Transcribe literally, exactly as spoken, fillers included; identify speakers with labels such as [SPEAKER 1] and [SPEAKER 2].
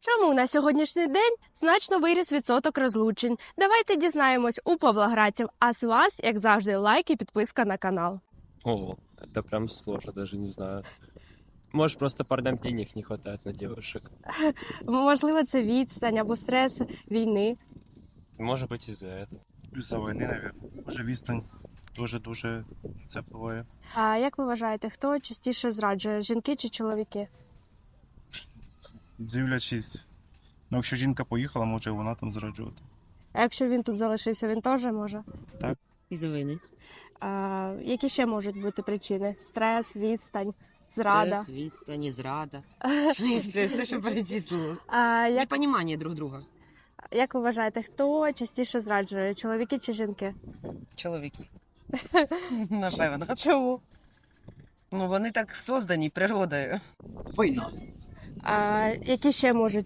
[SPEAKER 1] Чому на сьогоднішній день значно виріс відсоток розлучень? Давайте дізнаємось у павлоградців. А з вас, як завжди, лайк і підписка на канал.
[SPEAKER 2] О, это прям сложно, даже не знаю. Может, просто парням денег не хватает на девушек.
[SPEAKER 1] Можливо, це відстань або стрес війни.
[SPEAKER 2] Может быть, из-за этого.
[SPEAKER 3] Із-за війни, навіть. Може, відстань дуже-дуже це впливає.
[SPEAKER 1] А як ви вважаєте, хто частіше зраджує, жінки чи чоловіки?
[SPEAKER 3] Дивлячись, ну якщо жінка поїхала, може і вона там зраджувати.
[SPEAKER 1] А якщо він тут залишився, він теж може?
[SPEAKER 4] Із-за війни.
[SPEAKER 1] А, які ще можуть бути причини? Стрес, відстань, зрада.
[SPEAKER 4] Стрес, відстані, зрада. Все, все, що перечислило.
[SPEAKER 1] А, як,
[SPEAKER 4] Непонімання друг друга.
[SPEAKER 1] як ви вважаєте, хто частіше зраджує, чоловіки чи жінки?
[SPEAKER 4] Чоловіки. Напевно.
[SPEAKER 1] Чому?
[SPEAKER 4] Ну, вони так создані природою. Війна.
[SPEAKER 1] А, які ще можуть